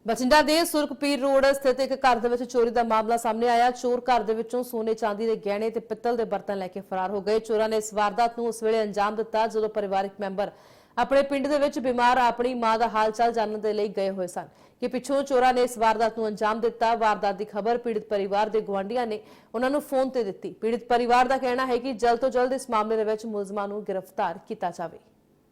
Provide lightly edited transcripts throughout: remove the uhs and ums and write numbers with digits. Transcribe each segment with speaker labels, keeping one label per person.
Speaker 1: ਬਠਿੰਡਾ ਦੇ ਸੁਰਖਪੀਰ ਰੋਡ ਸਥਿਤ ਇੱਕ ਘਰ ਦੇ ਵਿੱਚ ਚੋਰੀ ਦਾ ਮਾਮਲਾ ਸਾਹਮਣੇ ਆਇਆ। ਚੋਰ ਘਰ ਦੇ ਵਿੱਚੋਂ ਸੋਨੇ ਚਾਂਦੀ ਦੇ ਗਹਿਣੇ ਤੇ ਪਿੱਤਲ ਦੇ ਬਰਤਨ ਲੈ ਕੇ ਫਰਾਰ ਹੋ ਗਏ। ਚੋਰਾਂ ਨੇ ਇਸ ਵਾਰਦਾਤ ਨੂੰ ਉਸ ਵੇਲੇ ਅੰਜਾਮ ਦਿੱਤਾ ਜਦੋਂ ਪਰਿਵਾਰਕ ਮੈਂਬਰ ਆਪਣੇ ਪਿੰਡ ਦੇ ਵਿੱਚ ਬਿਮਾਰ ਆਪਣੀ ਮਾਂ ਦਾ ਹਾਲ ਚਾਲ ਜਾਣਨ ਦੇ ਲਈ ਗਏ ਹੋਏ ਸਨ ਕਿ ਪਿੱਛੋਂ ਚੋਰਾਂ ਨੇ ਇਸ ਵਾਰਦਾਤ ਨੂੰ ਅੰਜਾਮ ਦਿੱਤਾ। ਵਾਰਦਾਤ ਦੀ ਖਬਰ ਪੀੜਤ ਪਰਿਵਾਰ ਦੇ ਗੁਆਂਢੀਆਂ ਨੇ ਉਹਨਾਂ ਨੂੰ ਫੋਨ ਤੇ ਦਿੱਤੀ। ਪੀੜਤ ਪਰਿਵਾਰ ਦਾ ਕਹਿਣਾ ਹੈ ਕਿ ਜਲਦ ਤੋਂ ਜਲਦ ਇਸ ਮਾਮਲੇ ਦੇ ਵਿੱਚ ਮੁਲਜ਼ਮਾਂ ਨੂੰ ਗ੍ਰਿਫਤਾਰ ਕੀਤਾ ਜਾਵੇ।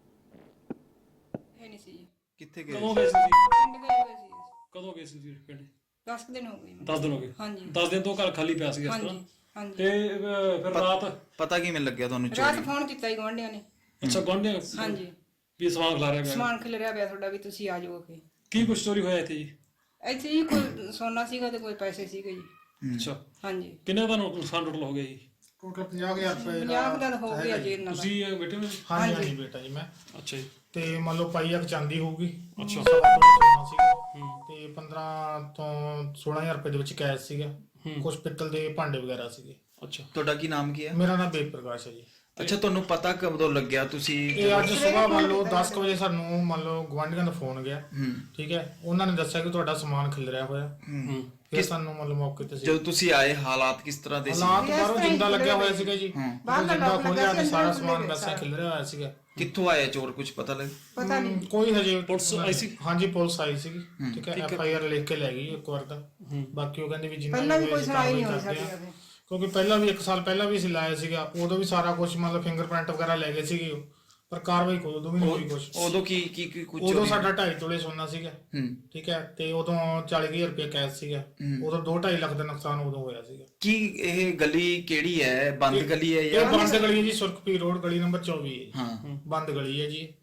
Speaker 2: ਕਿੱਥੇ ਗਏ?
Speaker 3: ਕਦੋਂ ਗਏ ਸੀ?
Speaker 4: ਪਿੰਡ ਗਏ ਹੋਏ ਸੀ।
Speaker 3: ਕਦੋਂ ਗਏ ਸੀ ਪਿੰਡ?
Speaker 4: 10 ਦਿਨ ਹੋ ਗਏ।
Speaker 3: 10 ਦਿਨ ਹੋ ਗਏ।
Speaker 4: ਹਾਂਜੀ
Speaker 3: 10 ਦਿਨ ਤੋਂ ਘਰ ਖਾਲੀ ਪਿਆ ਸੀ ਇਸ ਤਰ੍ਹਾਂ।
Speaker 4: ਹਾਂਜੀ
Speaker 3: ਤੇ ਫਿਰ ਰਾਤ
Speaker 2: ਪਤਾ ਕਿਵੇਂ ਲੱਗਿਆ ਤੁਹਾਨੂੰ
Speaker 4: ਰਾਤ
Speaker 2: ਚੋਰੀ?
Speaker 4: ਫੋਨ ਕੀਤਾ ਹੀ ਗੁਆਂਢੀਆਂ ਨੇ।
Speaker 3: ਅੱਛਾ ਗੁਆਂਢੀਆਂ
Speaker 4: ਹਾਂਜੀ
Speaker 3: ਵੀ ਸਮਾਨ ਖਿਲਾਰਿਆ ਗਿਆ।
Speaker 4: ਸਮਾਨ ਖਿਲਰਿਆ ਪਿਆ ਤੁਹਾਡਾ ਵੀ ਤੁਸੀਂ ਆ ਜਾਓ ਕਿ
Speaker 3: ਕੀ ਕੁਛ ਚੋਰੀ ਹੋਇਆ ਇੱਥੇ ਜੀ?
Speaker 4: ਇੱਥੇ ਜੀ ਕੋਈ ਸੋਨਾ ਸੀਗਾ ਤੇ ਕੋਈ ਪੈਸੇ ਸੀਗੇ ਜੀ।
Speaker 3: ਅੱਛਾ
Speaker 4: ਹਾਂਜੀ
Speaker 3: ਕਿੰਨੇ ਦਾ ਨੁਕਸਾਨ ਟੋਟਲ ਹੋ ਗਿਆ ਜੀ?
Speaker 5: ਟੋਟਲ 50,000 ਰੁਪਏ
Speaker 4: 50 ਦਿਨ ਹੋ ਗਏ ਜੀ ਇਹਨਾਂ ਦਾ।
Speaker 3: ਤੁਸੀਂ ਬੈਠੇ ਹੋ?
Speaker 5: ਹਾਂਜੀ ਹਾਂਜੀ ਬੇਟਾ ਜੀ ਮੈਂ
Speaker 3: ਅੱਛਾ ਜੀ।
Speaker 5: ਤੇ ਮੰਨ ਲਓ ਪਾਈ ਇੱਕ ਚਾਂਦੀ ਹੋਊਗੀ।
Speaker 3: ਅੱਛਾ।
Speaker 5: ਸਵਾ ਤੋਲਾ ਸੋਨਾ ਸੀਗਾ ਤੇ 15 ਤੋਂ 16,000 ਰੁਪਏ ਦੇ ਵਿੱਚ ਕੈਸ਼ ਸੀਗਾ। ਕੁਝ ਪਿੱਤਲ ਦੇ ਭਾਂਡੇ ਵਗੈਰਾ ਸੀਗੇ।
Speaker 3: ਅੱਛਾ
Speaker 2: ਤੁਹਾਡਾ ਕੀ ਨਾਮ ਕੀ ਹੈ?
Speaker 5: ਮੇਰਾ ਨਾਮ ਬੇਦ ਪ੍ਰਕਾਸ਼ ਹੈ ਜੀ।
Speaker 2: ਅੱਛਾ, ਤੁਹਾਨੂੰ ਪਤਾ ਕਦੋਂ ਲੱਗਿਆ ਤੁਸੀਂ?
Speaker 5: ਇਹ ਅੱਜ ਸਵੇਰ ਮੰਨ ਲਓ 10 ਕੁ ਵਜੇ ਸਾਨੂੰ ਮੰਨ ਲਓ ਗੁਆਂਢੀਆਂ ਦਾ ਫੋਨ ਗਿਆ। ਠੀਕ ਹੈ, ਉਹਨਾਂ ਨੇ ਦੱਸਿਆ ਕਿ ਤੁਹਾਡਾ ਸਮਾਨ ਖਿਲਰਿਆ ਹੋਇਆ। ਫਿਰ ਸਾਨੂੰ ਮੰਨ ਲਓ ਮੌਕੇ ਤੇ ਸੀ।
Speaker 2: ਜਦੋਂ ਤੁਸੀਂ ਆਏ ਹਾਲਾਤ ਕਿਸ ਤਰ੍ਹਾਂ ਦੇ ਸੀ?
Speaker 5: ਹਾਲਾਤ ਬਾਹਰੋਂ ਜਿੰਦਾ ਲੱਗਿਆ ਹੋਇਆ ਸੀਗਾ ਜੀ। ਜਿੰਦਾ ਖੋਲਿਆ ਤੇ ਸਾਰਾ ਸਮਾਨ ਵੈਸਾ ਖਿਲਰਿਆ ਹੋਇਆ ਸੀਗਾ।
Speaker 2: ਕਿੱਥੋਂ ਆਏ ਚੋਰ, ਕੁਝ ਪਤਾ ਲੱਗ?
Speaker 4: ਪਤਾ ਨਹੀਂ
Speaker 5: ਕੋਈ ਹਜੇ
Speaker 3: ਪੁਲਿਸ ਆਈ ਸੀ?
Speaker 5: ਹਾਂਜੀ ਪੁਲਿਸ ਆਈ ਸੀਗੀ। ਠੀਕ ਹੈ, FIR ਲਿਖ ਕੇ ਲੈ ਗਈ ਇੱਕ ਵਾਰ ਤਾਂ। ਬਾਕੀ ਉਹ ਕਹਿੰਦੇ ਵੀ ਜਿੰਨਾ
Speaker 4: ਪਹਿਲਾਂ ਵੀ ਕੋਈ ਸੁਣਾਈ ਨਹੀਂ ਹੋਈ
Speaker 5: ਕਰਦੇ
Speaker 4: ਸਾਡੀ
Speaker 5: ਆ।
Speaker 4: ਕਦੇ।
Speaker 5: ਕਿਉਂਕਿ ਪਹਿਲਾਂ ਵੀ 1 ਸਾਲ ਪਹਿਲਾਂ ਵੀ ਅਸੀਂ ਲਾਇਆ ਸੀਗਾ, ਉਦੋਂ ਵੀ ਸਾਰਾ ਕੁਝ ਮਤਲਬ ਫਿੰਗਰਪ੍ਰਿੰਟ ਵਗੈਰਾ ਲੈ ਗਏ ਸੀਗੇ ਉਹ, ਪਰ ਕਾਰਵਾਈ ਕੋਈ ਉਦੋਂ ਵੀ ਨਹੀਂ ਹੋਈ ਕੁਝ।
Speaker 2: ਉਦੋਂ ਕੀ ਕੁਝ
Speaker 5: ਉਦੋਂ ਸਾਡਾ 2.5 ਤੋਲੇ ਸੋਨਾ ਸੀਗਾ। ਠੀਕ ਹੈ, ਤੇ ਉਦੋਂ 40,000 ਰੁਪਏ ਕੈਸ਼ ਸੀਗਾ। ਉਦੋਂ 2-2.5 ਲੱਖ ਦਾ ਨੁਕਸਾਨ ਉਦੋਂ ਹੋਇਆ ਸੀਗਾ।
Speaker 2: ਕੀ ਇਹ ਗਲੀ ਕਿਹੜੀ ਹੈ? ਬੰਦ ਗਲੀ ਹੈ
Speaker 5: ਇਹ
Speaker 2: ਜਾਂ?
Speaker 5: ਬੰਦ ਗਲੀ ਹੈ ਜੀ, ਸੁਰਖਪੀਰ ਰੋਡ ਗਲੀ ਨੰਬਰ 24 ਹੈ।
Speaker 2: ਹਾਂ
Speaker 5: ਬੰਦ ਗਲੀ ਹੈ ਜੀ।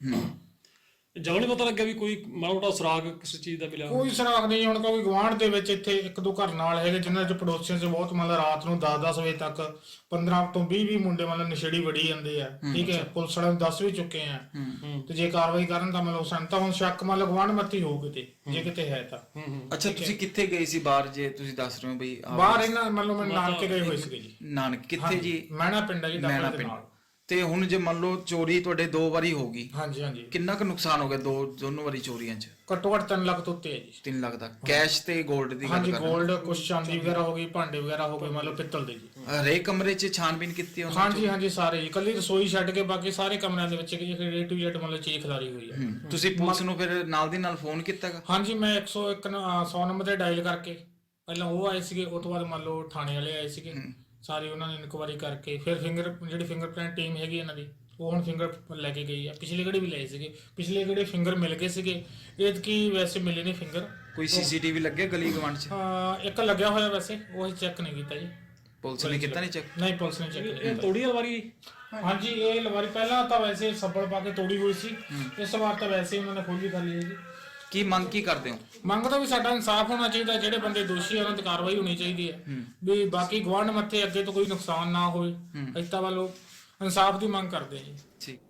Speaker 3: ਜਦੋਂ ਨਹੀਂ ਪਤਾ ਲੱਗਿਆ ਵੀ ਕੋਈ ਮਾੜਾ ਮੋਟਾ ਸੁਰਾਗ ਕਿਸੇ ਚੀਜ਼ ਦਾ ਮਿਲਿਆ?
Speaker 5: ਕੋਈ ਸੁਰਾਗ ਨਹੀਂ। ਹੁਣ ਕੋਈ ਗੁਆਂਢ ਦੇ ਵਿੱਚ ਇੱਥੇ 1-2 ਘਰ ਨਾਲ ਹੈਗੇ ਜਿਨ੍ਹਾਂ ਚ ਪੜੋਸੀਆਂ ਚ ਬਹੁਤ ਮਤਲਬ ਰਾਤ ਨੂੰ 10-10 ਵਜੇ ਤੱਕ 15 ਤੋਂ 20 ਮੁੰਡੇ ਮਤਲਬ ਨਸ਼ੇੜੀ ਵੜੀ ਜਾਂਦੇ ਆ। ਠੀਕ ਹੈ, ਪੁਲਿਸ ਵਾਲਿਆਂ ਨੂੰ ਦੱਸ ਵੀ ਚੁੱਕੇ ਆ। ਤੇ ਜੇ ਕਾਰਵਾਈ ਕਰਨ ਤਾਂ ਮਤਲਬ ਸਾਨੂੰ ਤਾਂ ਹੁਣ ਸ਼ੱਕ ਮਤਲਬ ਗੁਆਂਢ ਮੱਤੀ ਹੋਊ ਕਿਤੇ, ਜੇ ਕਿਤੇ ਹੈ ਤਾਂ।
Speaker 2: ਅੱਛਾ, ਤੁਸੀਂ ਕਿੱਥੇ ਗਏ ਸੀ ਬਾਹਰ? ਜੇ ਤੁਸੀਂ ਦੱਸ ਰਹੇ ਹੋ ਬਈ
Speaker 5: ਬਾਹਰ ਇਹਨਾਂ ਮਤਲਬ ਮੈਂ ਨਾਨਕੇ ਗਏ ਹੋਏ ਸੀਗੇ ਜੀ।
Speaker 2: ਨਾਨਕ ਕਿੱਥੇ ਜੀ?
Speaker 5: ਮਹਿਣਾ ਪਿੰਡ ਹੈ ਜੀ,
Speaker 2: ਮਹਿਣਾ
Speaker 5: ਡਾਕਟਰ ਦੇ
Speaker 2: ਪਿੰਡ।
Speaker 5: ਨਾਲ।
Speaker 2: ਤੇ ਹੁਣ ਜੇ ਮੰਨ ਲਓ ਚੋਰੀ ਤੁਹਾਡੇ 2 ਵਾਰੀ ਹੋ ਗਈ,
Speaker 5: ਹਾਂਜੀ ਹਾਂਜੀ,
Speaker 2: ਕਿੰਨਾ ਕੁ ਨੁਕਸਾਨ ਹੋ ਗਿਆ ਦੋਨੋਂ ਵਾਰੀ ਚੋਰੀਆਂ 'ਚ?
Speaker 5: ਘੱਟੋ ਘੱਟ 3 ਲੱਖ ਤੋਂ ਉੱਤੇ ਹੈ ਜੀ।
Speaker 2: 3 ਲੱਖ ਦਾ ਕੈਸ਼ ਤੇ 골ਡ ਦੀ ਗੱਲ
Speaker 5: ਹਾਂਜੀ,
Speaker 2: ਕਰ ਰਹੇ
Speaker 5: 골ਡ ਕੁਛ ਚਾਂਦੀ ਵਗੈਰਾ ਹੋ ਗਈ, ਭਾਂਡੇ ਵਗੈਰਾ ਹੋ ਗਏ ਮਤਲਬ ਪਿੱਤਲ ਦੇ ਜੀ।
Speaker 2: ਹਰੇਕ ਕਮਰੇ 'ਚ ਛਾਣਬੀਨ ਕੀਤੀ ਉਹਨਾਂ
Speaker 5: ਹਾਂਜੀ ਹਾਂਜੀ, ਸਾਰੇ ਜੀ। ਕੱਲੀ ਰਸੋਈ ਛੱਡ ਕੇ ਬਾਕੀ ਸਾਰੇ ਕਮਰਿਆਂ ਦੇ ਵਿੱਚ A to Z ਮਤਲਬ ਚੀਜ਼ ਖਿਲਾਰੀ ਹੋਈ ਹੈ।
Speaker 2: ਤੁਸੀਂ ਪੁਲਿਸ ਨੂੰ ਫਿਰ ਨਾਲ ਦੀ ਨਾਲ ਫੋਨ ਕੀਤਾਗਾ?
Speaker 5: ਹਾਂਜੀ, ਮੈਂ 100 ਨੰਬਰ ਤੇ ਡਾਇਲ ਕਰਕੇ ਪਹਿਲਾਂ ਉਹ ਆਏ ਸੀਗੇ, ਉਸ ਤੋਂ ਬਾਅਦ ਮੰਨ ਲਓ ਥਾਣੇ ਵਾਲੇ ਆਏ ਸੀਗੇ। ਸਾਰੀ ਉਹਨਾਂ ਨੇ ਇਨਕੁਆਇਰੀ ਕਰਕੇ ਫਿਰ ਜਿਹੜੀ ਫਿੰਗਰਪ੍ਰਿੰਟ ਟੀਮ ਹੈਗੀ ਇਹਨਾਂ ਦੀ, ਉਹ ਹੁਣ ਫਿੰਗਰ ਲੈ ਕੇ ਗਈ ਆ। ਪਿਛਲੇ ਕਿਹੜੇ ਵੀ ਲਏ ਸੀਗੇ, ਪਿਛਲੇ ਕਿਹੜੇ ਫਿੰਗਰ ਮਿਲ ਗਏ ਸੀਗੇ, ਐਤਕੀ ਵੈਸੇ ਮਿਲੇ ਨਹੀਂ ਫਿੰਗਰ।
Speaker 2: ਕੋਈ CCTV ਲੱਗੇ ਗਲੀ ਗਵਾਂਢ 'ਚ?
Speaker 5: ਇੱਕ ਲੱਗਿਆ ਹੋਇਆ ਵੈਸੇ, ਉਹ ਚੈੱਕ ਨਹੀਂ ਕੀਤਾ ਜੀ।
Speaker 2: ਪੁਲਿਸ ਨੇ ਕੀਤਾ ਨਹੀਂ ਚੈੱਕ?
Speaker 5: ਨਹੀਂ, ਪੁਲਿਸ ਨੇ ਚੈੱਕ ਨਹੀਂ
Speaker 3: ਇਹ
Speaker 5: ਕੀਤਾ।
Speaker 3: ਤੋੜੀ ਵਾਰੀ?
Speaker 5: ਹਾਂਜੀ, ਇਹ ਲਵਾਰੀ ਪਹਿਲਾਂ ਤਾਂ ਵੈਸੇ ਸੱਬਲ ਪਾ ਕੇ ਤੋੜੀ ਹੋਈ ਸੀ। ਇਸ ਵਾਰ ਤਾਂ ਵੈਸੇ ਉਹਨਾਂ ਨੇ ਖੋਲੀ ਕਰ ਲਈ ਜੀ।
Speaker 2: ਕੀ ਮੰਗ ਕੀ ਕਰਦੇ ਹੋ?
Speaker 5: ਮੰਗ ਤਾਂ ਵੀ ਸਾਡਾ ਇਨਸਾਫ ਹੋਣਾ ਚਾਹੀਦਾ। ਜਿਹੜੇ ਬੰਦੇ ਦੋਸ਼ੀ ਆ ਉਹਨਾਂ ਤੇ ਕਾਰਵਾਈ ਹੋਣੀ ਚਾਹੀਦੀ ਹੈ ਵੀ ਬਾਕੀ ਗੁਆਂਢ ਮੱਥੇ ਅੱਗੇ ਤੋਂ ਕੋਈ ਨੁਕਸਾਨ ਨਾ ਹੋਵੇ। ਅਸੀਂ ਤਾਂ ਵੱਲੋਂ ਇਨਸਾਫ ਦੀ ਮੰਗ ਕਰਦੇ ਹਾਂ ਜੀ।
Speaker 2: ਠੀਕ।